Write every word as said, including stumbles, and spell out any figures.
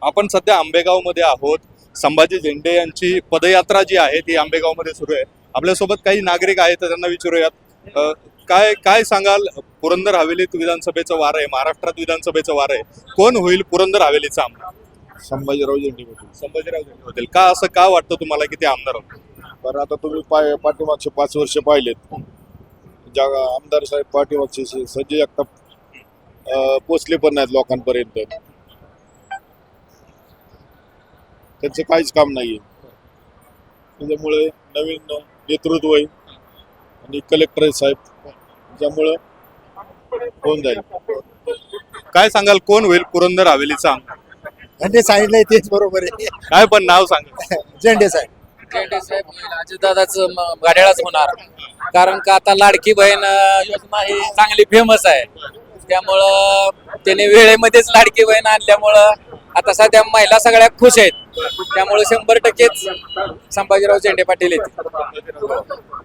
आपण सध्या आंबेगावमध्ये आहोत. संभाजी झेंडे यांची पदयात्रा जी आहे ती आंबेगावमध्ये सुरू आहे. आपल्यासोबत काही नागरिक आहेत, तर त्यांना विचारूयात. अ, काय काय सांगाल? पुरंदर हवेलीत विधानसभेचं वार आहे, महाराष्ट्रात विधानसभेचं वार आहे. कोण होईल पुरंदर हवेलीचा आमदार? संभाजीराव झेंडे होते. संभाजीराव झेंडे होतील का? असं का वाटतं तुम्हाला की ते आमदार होतील? बरं, आता तुम्ही पाय पाठीमागचे पाच वर्ष पाहिलेत, ज्या आमदार साहेब पाठीमागचे से- संजय जगताप अं, पोचले पण नाहीत लोकांपर्यंत. त्यांचं काहीच काम नाहीये. त्याच्यामुळे नवीन नेतृत्व आहे आणि कलेक्टर आहे साहेब, त्यामुळं होऊन जाईल. काय सांगाल कोण होईल पुरंदर हवेलीचा आमदार? झेंडे सांगितलंय तेच बरोबर आहे. काय पण नाव सांगा. झेंडे साहेब झेंडे साहेब अजितदादाच गाड्यालाच होणार, कारण का आता लाडकी बहीण अं, योजना ही चांगली फेमस आहे. त्यामुळं त्याने वेळेमध्येच लाडकी बहीण आणल्यामुळं आता सध्या महिला सगळ्या खुश आहेत. त्यामुळे शंभर टक्केच संभाजीराव झेंडे पाटील येतील.